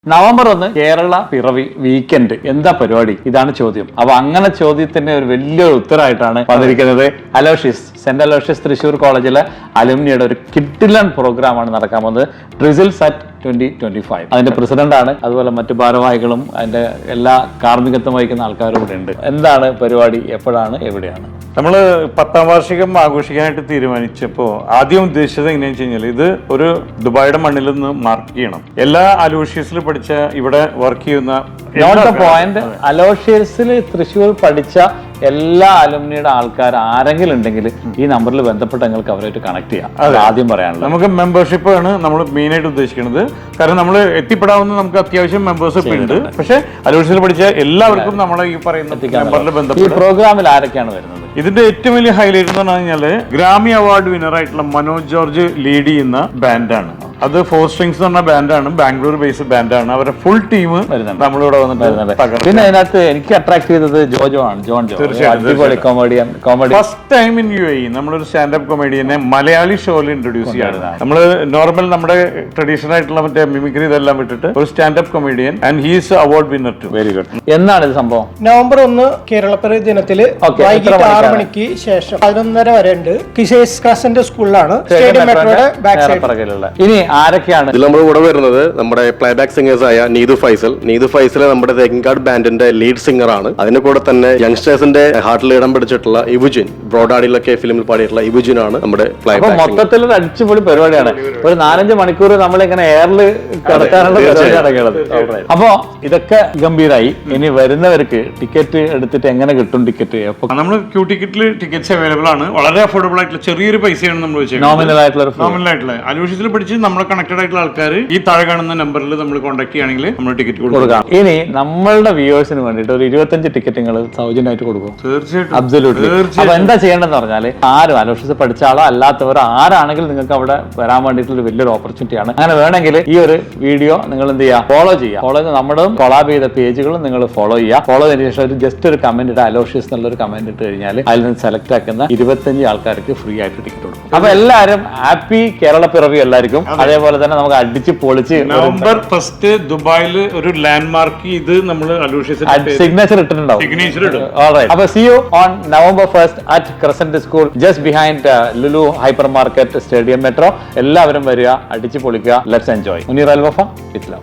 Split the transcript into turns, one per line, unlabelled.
November 1 Kerala പിറവി weekend എന്താ പരിപാടി? ഇതാണ് ചോദ്യം. അപ്പൊ അങ്ങനെ ചോദ്യത്തിന്റെ ഒരു വലിയൊരു ഉത്തരമായിട്ടാണ് വന്നിരിക്കുന്നത്. അലോഷ്യസ്, സെന്റ് അലോഷ്യസ് തൃശ്ശൂർ കോളേജിലെ അലുമിനിയുടെ ഒരു കിഡിലൻ പ്രോഗ്രാമാണ് നടക്കാൻ പോകുന്നത്. ട്രിസിൽസ് അറ്റ് 2025. അതിന്റെ പ്രസിഡന്റാണ്, അതുപോലെ മറ്റു ഭാരവാഹികളും അതിന്റെ എല്ലാ കാർമ്മികത്വം വഹിക്കുന്ന ആൾക്കാരും ഇവിടെ ഉണ്ട്. എന്താണ് പരിപാടി, എപ്പോഴാണ്, എവിടെയാണ്?
നമ്മൾ 10ാം വാർഷികം ആഘോഷിക്കാനായിട്ട് തീരുമാനിച്ചപ്പോൾ ആദ്യം ഉദ്ദേശിച്ചത് എങ്ങനെയാണെന്ന് വെച്ച് കഴിഞ്ഞാൽ ഇത് ഒരു ദുബായിയുടെ മണ്ണിൽ നിന്ന് മാർക്ക് ചെയ്യണം. എല്ലാ അലോഷ്യസിൽ പഠിച്ച ഇവിടെ വർക്ക് ചെയ്യുന്ന
അലോഷ്യസിൽ തൃശ്ശൂർ പഠിച്ച എല്ലാ അലുമിനിയുടെ ആൾക്കാർ ആരെങ്കിലും ഉണ്ടെങ്കിൽ ഈ നമ്പറിൽ ബന്ധപ്പെട്ട് നിങ്ങൾക്ക് അവരായിട്ട് കണക്ട് ചെയ്യാം. ആദ്യം പറയാനുള്ളത്
നമുക്ക് മെമ്പർഷിപ്പ് ആണ് നമ്മൾ മെയിൻ ആയിട്ട് ഉദ്ദേശിക്കുന്നത്. കാരണം നമ്മൾ എത്തിപ്പെടാവുന്ന നമുക്ക് അത്യാവശ്യം മെമ്പേഴ്ഷിപ്പ് ഉണ്ട്. പക്ഷെ അലോഷ്യസിൽ പഠിച്ച എല്ലാവർക്കും നമ്മൾ ഈ പറയുന്ന മെമ്പറിൽ ബന്ധപ്പെട്ട്
ഈ പ്രോഗ്രാമിൽ ആരൊക്കെയാണ് വരുന്നത്?
ഇതിന്റെ ഏറ്റവും വലിയ ഹൈലൈറ്റ് എന്ന് പറഞ്ഞു കഴിഞ്ഞാല് ഗ്രാമി അവാർഡ് വിന്നർ ആയിട്ടുള്ള മനോജ് ജോർജ് ലീഡ് ചെയ്യുന്ന ബാൻഡാണ്. അത് 4 Strings എന്ന് പറഞ്ഞ ബാൻഡാണ്, ബാംഗ്ലൂർ ബേസ്ഡ് ബാൻഡാണ്. അവരുടെ ഫുൾ ടീം നമ്മളിവിടെ വന്നിട്ട്.
പിന്നെ അതിനകത്ത് എനിക്ക് അട്രാക്ട് ചെയ്തത് ജോജോ ആണ്. അടിപൊളി comedian.
First time in UAE നമ്മളൊരു സ്റ്റാൻഡപ്പ് കൊമേഡിയനെ മലയാളി ഷോയിൽ ഇൻട്രൊഡ്യൂസ് ചെയ്യാണ്. നമ്മള് നോർമൽ നമ്മുടെ ട്രഡീഷണൽ ആയിട്ടുള്ള മറ്റേ മിമിക്രി ഇതെല്ലാം വിട്ടിട്ട് ഒരു standup comedian and he's award winner too.
Very good. എന്നാണ് ഇത് സംഭവം?
നവംബർ 1 കേരളപ്പിറവി ദിനത്തില് വൈകിട്ട് 6 മണിക്ക് ശേഷം 11:30 വരെ ഉണ്ട്. കിഷേസ് ക്രസന്റ് സ്കൂളിലാണ്, സ്റ്റേഡിയം മെട്രോയുടെ ബാക്ക് സൈഡിലുള്ള.
ഇനി ആരൊക്കെയാണ്
ഇതിൽ നമ്മൾ കൂടെ വരുന്നത്? നമ്മുടെ പ്ലേബാക്ക് സിംഗേഴ്സ് ആയ നീതു ഫൈസൽ നമ്മുടെ തെക്കിൻകാട് ബാൻഡിന്റെ ലീഡ് സിംഗർ ആണ്. അതിന്റെ കൂടെ തന്നെ യങ്സ്റ്റേഴ്സിന്റെ ഹാർട്ടിൽ ഇടം പിടിച്ചിട്ടുള്ള ഇവുജിൻ, ബ്രോഡാഡിലൊക്കെ ഫിലിമിൽ പാടിയിട്ടുള്ള ഇവുജിൻ ആണ് നമ്മുടെ പ്ലേബാക്ക്.
മൊത്തത്തിൽ ഒരു അടിച്ചുപൊളി പരിപാടിയാണ്. ഒരു 4-5 മണിക്കൂർ നമ്മളിങ്ങനെ എയറിൽ കിടക്കാനുള്ള പരിപാടി നടക്കുന്നത്. അപ്പോ ഇതൊക്കെ ഗംഭീരായി. ഇനി വരുന്നവർക്ക് ടിക്കറ്റ് എടുത്തിട്ട് എങ്ങനെ കിട്ടും? ടിക്കറ്റ്
നമ്മൾ ക്യൂ ടിക്കറ്റിൽ ടിക്കറ്റ്സ് അവൈലബിൾ ആണ്. വളരെ അഫോർഡബിൾ ആയിട്ടുള്ള ചെറിയൊരു പൈസയാണ് നമ്മൾ വെച്ചത്.
നോമിനൽ ആയിട്ടുള്ള
അലോഷ്യസിൽ പഠിച്ച് നമ്മളെ കണക്റ്റഡ് ആയിട്ടുള്ള ആൾക്കാർ ഈ താഴെ കാണുന്ന നമ്പറിൽ നമ്മൾ കോൺടാക്ട് ചെയ്യുകയാണെങ്കിൽ നമ്മൾ ടിക്കറ്റ് കൊടുക്കാം.
ഇനി നമ്മളുടെ വ്യൂവേഴ്സിന് വേണ്ടിയിട്ട് ഒരു 25 ടിക്കറ്റ് നിങ്ങൾ സൗജന്യമായിട്ട് കൊടുക്കും.
തീർച്ചയായിട്ടും.
അബ്സല്യൂട്ട്ലി. അപ്പൊ എന്താ ചെയ്യേണ്ടതെന്ന് പറഞ്ഞാൽ, ആരും അലോഷ്യസ് പഠിച്ച ആളോ അല്ലാത്തവർ ആരാണെങ്കിലും നിങ്ങൾക്ക് അവിടെ വരാൻ വേണ്ടിയിട്ടുള്ള വലിയൊരു ഓപ്പർച്യൂണിറ്റിയാണ്. അങ്ങനെ വേണമെങ്കിൽ ഈ ഒരു വീഡിയോ നിങ്ങൾ എന്ത് ചെയ്യുക, ഫോളോ ചെയ്യുക. നമ്മുടെ കൊളാബ് ചെയ്ത പേജുകളും നിങ്ങൾ ഫോളോ ചെയ്യുക. ഫോളോ ചെയ്തതിനു ശേഷം ഒരു ജസ്റ്റ് ഒരു കമന്റ് ഇട്ട് അലോഷ്യസ് എന്നുള്ളൊരു കമന്റ് ഇട്ട് കഴിഞ്ഞാൽ അതിൽ നിന്ന് സെലക്ട് ആക്കുന്ന 25 ആൾക്കാർക്ക് ഫ്രീ ആയിട്ട് ടിക്കറ്റ് കൊടുക്കും. അപ്പൊ എല്ലാവരും ഹാപ്പി കേരള പിറവി എല്ലാവർക്കും. അതേപോലെ തന്നെ നമുക്ക് അടിച്ച് പൊളിച്ച്
നവംബർ 1 ദുബായിൽ ഒരു ലാൻഡ് മാർക്ക് ഇത് നമ്മൾ
സിഗ്നേച്ചർ ഇട്ടിട്ടുണ്ടാവും. അപ്പൊ see you on November 1st at Crescent School, just behind Lulu Hypermarket, Stadium Metro. എല്ലാവരും വരിക, അടിച്ച് പൊളിക്കുക. Let's enjoy. Muneer Al Wafa, with love.